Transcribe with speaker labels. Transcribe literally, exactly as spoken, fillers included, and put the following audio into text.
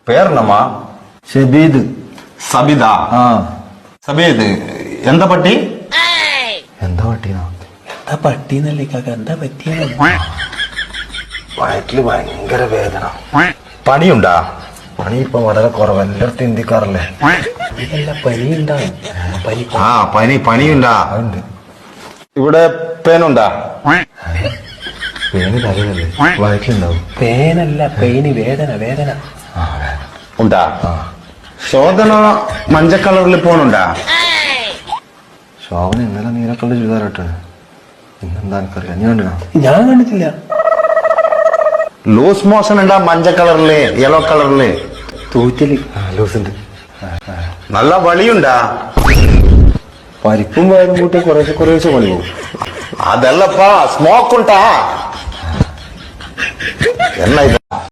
Speaker 1: പേരെന്നമ്മാ?
Speaker 2: ഷബീദ്.
Speaker 1: സബിത.
Speaker 2: ആ
Speaker 1: സബീദ്. എന്താ പട്ടി?
Speaker 2: എന്താ പട്ടീനാ?
Speaker 3: എന്താ പട്ടിന്നല്ലേ കാക്ക, എന്താ പറ്റിയ?
Speaker 2: വയറ്റില് ഭയങ്കര വേദന.
Speaker 1: പണിയുണ്ടാ?
Speaker 2: പണി ഇപ്പൊ വളരെ കുറവ്, എല്ലായിടത്തും ഇന്ത്യക്കാറല്ലേ.
Speaker 3: അല്ല, പനി ഉണ്ടാവും. പനി
Speaker 1: ആ പനി പനിയുണ്ടാ?
Speaker 2: അതുണ്ട്.
Speaker 1: ഇവിടെ പേനുണ്ടാ?
Speaker 2: പേന് തലയല്ലേ, വയറ്റിലുണ്ടാവും.
Speaker 3: പേനല്ല, പെയിന്, വേദന വേദന.
Speaker 2: ആ വേദന
Speaker 1: ഉണ്ടാ?
Speaker 2: ആ.
Speaker 1: ശോധന മഞ്ഞ കളറിൽ പോണുണ്ടാ?
Speaker 2: ശോഭന ഇന്നലെ നീലക്കള്ള ചുരിദാറിട്ടാണ്. ഇന്നെന്താ എനിക്കറിയാം, നീ കണ്ടിനാ?
Speaker 3: ഞാൻ കണ്ടിട്ടില്ല.
Speaker 1: ലൂസ് മോഷൻ ഉണ്ടാ? മഞ്ഞ കളറില്, യെല്ലോ കളറില്
Speaker 3: തൂറ്റല്.
Speaker 2: ലൂസുണ്ട്.
Speaker 1: നല്ല വളിയുണ്ടാ?
Speaker 2: പരിപ്പും വയറും കൂട്ടി കുറേശ്ശെ കുറേശ്ശെ പണി പോകും.
Speaker 1: അതല്ലപ്പാ, സ്മോക്ക് ഉണ്ടാ? എന്നാ ഇത്?